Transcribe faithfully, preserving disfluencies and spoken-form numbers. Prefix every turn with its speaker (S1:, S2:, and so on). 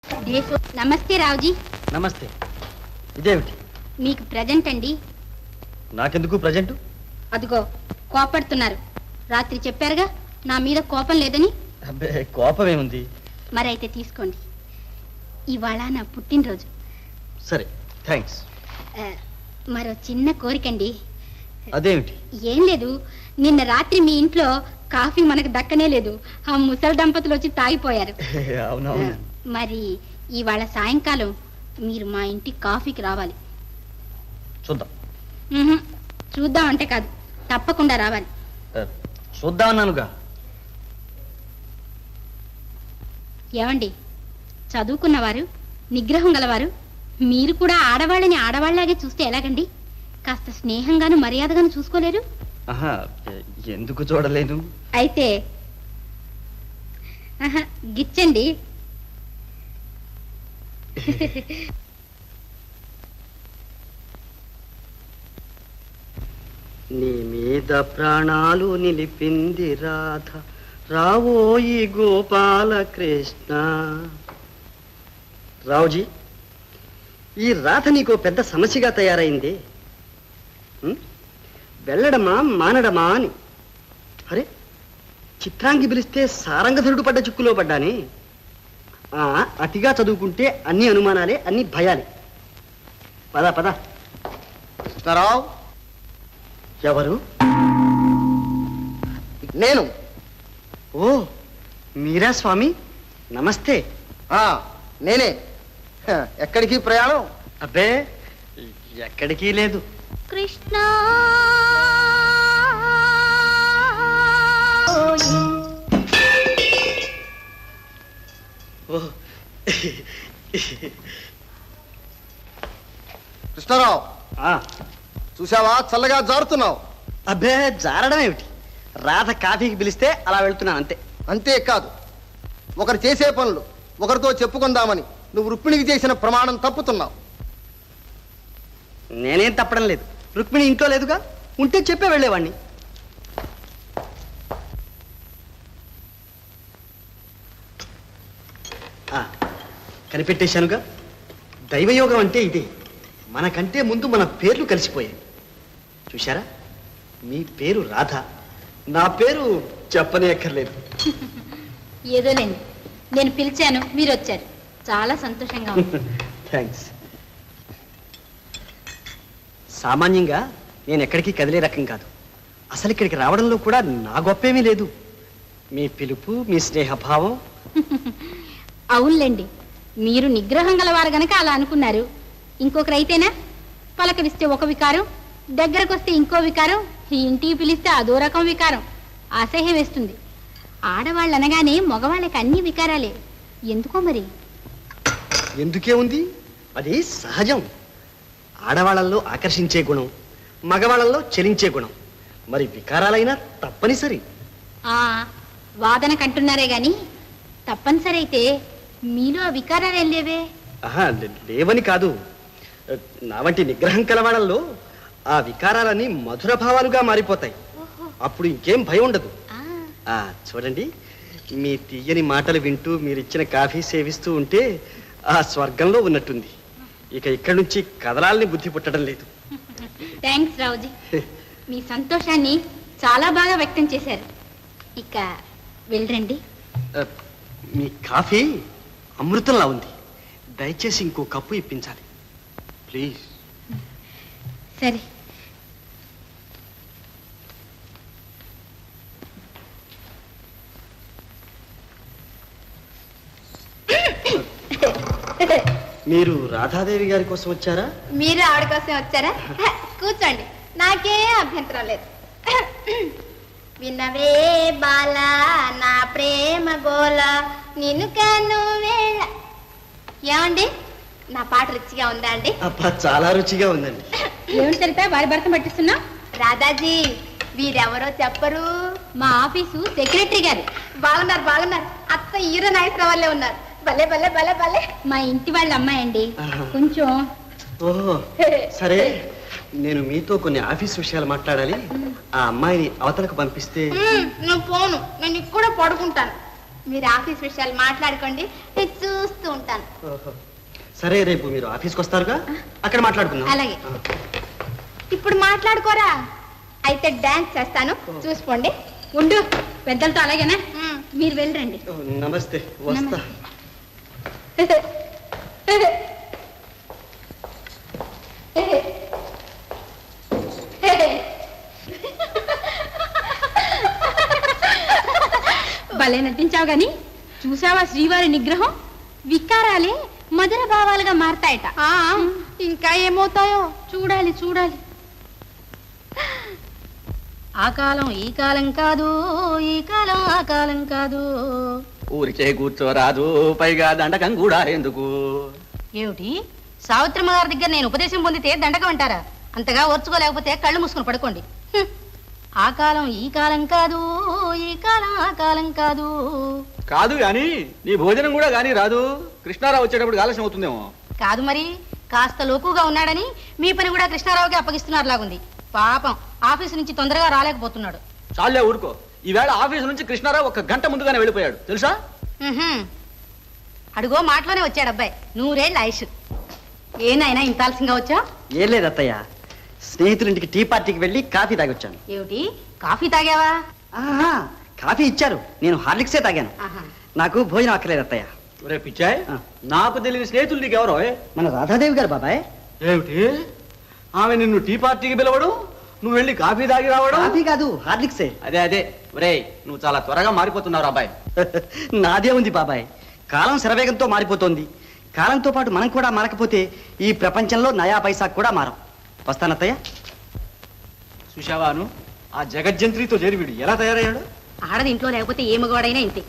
S1: నమస్తే రావుజీ.
S2: నమస్తే. ఇదేమిటి?
S1: మీకు ప్రజెంట్ అండి.
S2: నాకెందుకు ప్రజెంట్?
S1: అదిగో కోపడుతున్నారు. రాత్రి చెప్పారుగా నా మీద కోపం లేదని.
S2: అబ్బే, కోపం ఏముంది?
S1: మరైతే తీసుకోండి. ఇవాళ నా పుట్టినరోజు.
S2: సరే, థ్యాంక్స్.
S1: మరో చిన్న కోరికండి.
S2: అదేమిటి?
S1: ఏం లేదు, నిన్న రాత్రి మీ ఇంట్లో కాఫీ మనకు దక్కనే లేదు. ఆ ముసలి దంపతులు వచ్చి తాగిపోయారు.
S2: అవునవును.
S1: మరి ఇవాళ సాయంకాలం మీరు మా ఇంటికి కాఫీకి రావాలి.
S2: చూద్దాం.
S1: చూద్దాం అంటే కాదు, తప్పకుండా రావాలి.
S2: చూద్దాం అన్నానుగా.
S1: ఏమండి, చదువుకున్నవారు, నిగ్రహం గలవారు, మీరు కూడా ఆడవాళ్ళని ఆడవాళ్ళలాగే చూస్తే ఎలాగండి? కాస్త స్నేహంగాను మర్యాదగాను చూసుకోలేరు?
S2: ఆహా, ఎందుకు చూడలేను?
S1: అయితే ఆహా గిచ్చండి.
S3: నీ మీద ప్రాణాలు నిలిపింది రాధ, రావోయి గోపాలకృష్ణ. రావుజీ, ఈ రాధ నీకో పెద్ద సమస్యగా తయారైంది. వెళ్ళడమా మానడమా అని. అరే, చిత్రాంగి పిలిస్తే సారంగధరుడు పడ్డ చిక్కులో పడ్డానే. అతిగా చదువుకుంటే అన్ని అనుమానాలే, అన్ని భయాలే. పద పద.
S4: కృష్ణారావు.
S3: ఎవరు?
S4: నేను.
S3: ఓ, మీరా స్వామి? నమస్తే.
S4: నేనే. ఎక్కడికి ప్రయాణం?
S3: అబ్బే, ఎక్కడికి లేదు.
S1: కృష్ణ
S4: కృష్ణారావు, చూసావా చల్లగా జారుతున్నావు?
S3: అబ్బే, జారడం ఏమిటి? రాధ కాఫీకి పిలిస్తే అలా వెళ్తున్నాను అంతే.
S4: అంతేకాదు, ఒకరు చేసే పనులు ఒకరితో చెప్పుకుందామని నువ్వు రుక్మిణికి చేసిన ప్రమాణం తప్పుతున్నావు.
S3: నేనేం తప్పడం లేదు. రుక్మిణి ఇంట్లో లేదుగా, ఉంటే చెప్పే వెళ్ళేవాణ్ణి. కనిపెట్టేశానుగా. దైవయోగం అంటే ఇదే. మనకంటే ముందు మన పేర్లు కలిసిపోయాయి. చూశారా? మీ పేరు రాధ, నా పేరు చెప్పనే అక్కర్లేదు.
S1: ఏదోలేండి, నేను పిలిచాను, మీరు వచ్చారు. చాలా సంతోషంగా ఉంది.
S3: థ్యాంక్స్. సామాన్యంగా నేను ఎక్కడికి కదిలే రకం కాదు. అసలు ఇక్కడికి రావడంలో కూడా నా గొప్పేమీ లేదు. మీ పిలుపు, మీ స్నేహభావం.
S1: అవునులేండి, మీరు నిగ్రహం గలవారు గనక అలా అనుకున్నారు. ఇంకొకరైతేనా పలకరిస్తే ఒక వికారం, దగ్గరకు వస్తే ఇంకో వికారం, ఇంటికి పిలిస్తే అదో రకం వికారం. అసహ్యం వేస్తుంది. ఆడవాళ్ళు అనగానే మగవాళ్ళకి అన్ని వికారాలే. ఎందుకో మరి.
S3: ఎందుకే ఉంది? అది సహజం. ఆడవాళ్ళల్లో ఆకర్షించే గుణం, మగవాళ్ళల్లో చలించే గుణం. మరి వికారాలైనా తప్పనిసరి.
S1: ఆ వాదన కంటున్నారే గాని తప్పనిసరి అయితే మీలో ఆ వికారాలు ఏం లేవే?
S3: ఆహా, లేవని కాదు. నా వంటి నిగ్రహం కలవాళ్ళల్లో ఆ వికారాలన్నీ మధుర భావాలుగా మారిపోతాయి. అప్పుడు ఇంకేం భయం ఉండదు. ఆ చూడండి, మీ తీయని మాటలు వింటూ మీరిచ్చిన కాఫీ సేవిస్తూ ఉంటే ఆ స్వర్గంలో ఉన్నట్టుంది. ఇక ఇక్కడి నుంచి కదలాలని బుద్ధి పుట్టడం లేదు.
S1: థ్యాంక్స్ రావుజీ, మీ సంతోషాన్ని చాలా బాగా వ్యక్తం చేశారు. ఇక వెళ్ళండి.
S3: మీ కాఫీ అమృతంలా ఉంది. దయచేసి ఇంకో కప్పు ఇప్పించాలి ప్లీజ్.
S1: సరే.
S3: మీరు రాధాదేవి గారి కోసం వచ్చారా?
S1: మీరు ఆవిడ కోసం వచ్చారా? కూర్చోండి, నాకే అభ్యంతరం లేదు. వినవే బాల నా ప్రేమ గోల నిన్ను కన్ను వేళ. ఏమండి, నా పాట రుచిగా ఉందా అండి?
S3: అబ్బా, చాలా రుచిగా ఉందండి.
S1: ఏమిటి సరితా వారి భర్త పట్టిస్తున్నా? రాధాజీ, వీరెవరో చెప్పరు. మా ఆఫీసు సెక్రటరీ గారు. బాగున్నారు బాగున్నారు. అత్త హీరో నాగేశ్వరరావు వాళ్ళే ఉన్నారు. భలే భలే భలే భలే. మా ఇంటి వాళ్ళ అమ్మాయి అండి. కొంచెం.
S3: ఓహో, సరే. నేను మీతో కొన్ని ఆఫీస్ విషయాలు మాట్లాడాలి. ఆ అమ్మాయిని అవతలకు పంపిస్తే.
S1: నేను పోను, నేను ఇక్కడ పడుకుంటాను.
S5: మీరు ఆఫీస్ విషయాలు మాట్లాడుకోండి నేను చూస్తూ ఉంటాను.
S3: సరే రేపు మీరు ఆఫీస్కి వస్తారుగా, అక్కడ మాట్లాడుకుందాం.
S5: అలాగే. ఇప్పుడు మాట్లాడుకోరా? అయితే డాన్స్ చేస్తాను, చూసుకోండి.
S1: ఉండు, పెద్దలతో అలాగేనా?
S5: మ్మ్.
S1: మీరు వెళ్ళరండి.
S3: ఓ, నమస్తే, వస్తా.
S1: భలే నటించావు గాని చూసావా శ్రీవారి నిగ్రహం? వికారాలే మధుర భావాలుగా మారతాయట.
S5: ఆ, ఇంకా ఏమవుతాయో
S1: చూడాలి చూడాలి. ఆ కాలం ఈ కాలం కాదు, ఈ కాలం ఆ కాలం కాదు.
S2: ఊరికే కూర్చోరాదు, పైగా దండకం కూడా ఎందుకు?
S1: ఏమిటి, సావిత్రమ్మ గారి దగ్గర నేను ఉపదేశం పొందితే దండకం అంటారా? అంతగా ఓర్చుకోలేకపోతే కళ్ళు మూసుకుని పడుకోండి. హ్మ్. ఆ కాలం ఈ కాలం కాదు, ఈ కాలం ఆ కాలం కాదు.
S2: కాదు గాని నీ భోజనం కూడా గాని రాదు. కృష్ణారావు వచ్చేటప్పుడు ఆలస్యం అవుతుందేమో.
S1: కాదు మరి, కాస్త లోకుగా ఉన్నాడని మీ పని కూడా కృష్ణారావుకి అప్పగిస్తున్నారు లాగుంది. పాపం ఆఫీసు నుంచి తొందరగా రాలేకపోతున్నాడు.
S2: చాలే ఊరుకో. ఈవేళ ఆఫీసు నుంచి కృష్ణారావు ఒక గంట ముందుగానే వెళ్ళిపోయాడు తెలుసా?
S1: ఉహుం. అడుగో మాటలోనే వచ్చాడు అబ్బాయి. నూరేళ్ళ ఆయుష్. ఏనాయనా ఇంత ఆలస్యంగా వచ్చా?
S3: ఏం లేదు అత్తయ్య, స్నేహితులింటికి టీ పార్టీకి వెళ్ళి కాఫీ తాగొచ్చాను.
S1: ఏమిటి, కాఫీ తాగావా?
S3: ఆహా, కాఫీ ఇచ్చారు, నేను హార్లిక్సే తాగాను.
S1: ఆహా.
S3: నాకు భోజనం అక్కర్లేదు అత్తయ్య.
S2: ఒరే పిచ్చాయ్,
S3: ఆ.
S2: నాకు తెలియని స్నేహితులు నీకెవరో?
S3: మన రాధాదేవి గారు బాబాయ్.
S2: ఏమిటి, ఆమె నిన్ను టీ పార్టీకి పిలవడం, నువ్వు వెళ్ళి కాఫీ తాగి రావడం?
S3: కాఫీ కాదు, హార్లిక్సే.
S2: అదే అదే. ఒరే, నువ్వు చాలా త్వరగా మారిపోతున్నావు అబ్బాయి.
S3: నాదే ఉంది బాబాయ్, కాలం శరవేగంతో మారిపోతోంది. కాలంతో పాటు మనం కూడా మారకపోతే ఈ ప్రపంచంలో నయా పైసా కూడా మారం. వస్తానత్తయ్య.
S2: సుషావాను, ఆ జగజ్జంత్రితో చేరి వీడు ఎలా తయారయ్యాడు?
S1: ఆడది ఇంట్లో లేకపోతే ఏ మగవాడైనా ఇంతే.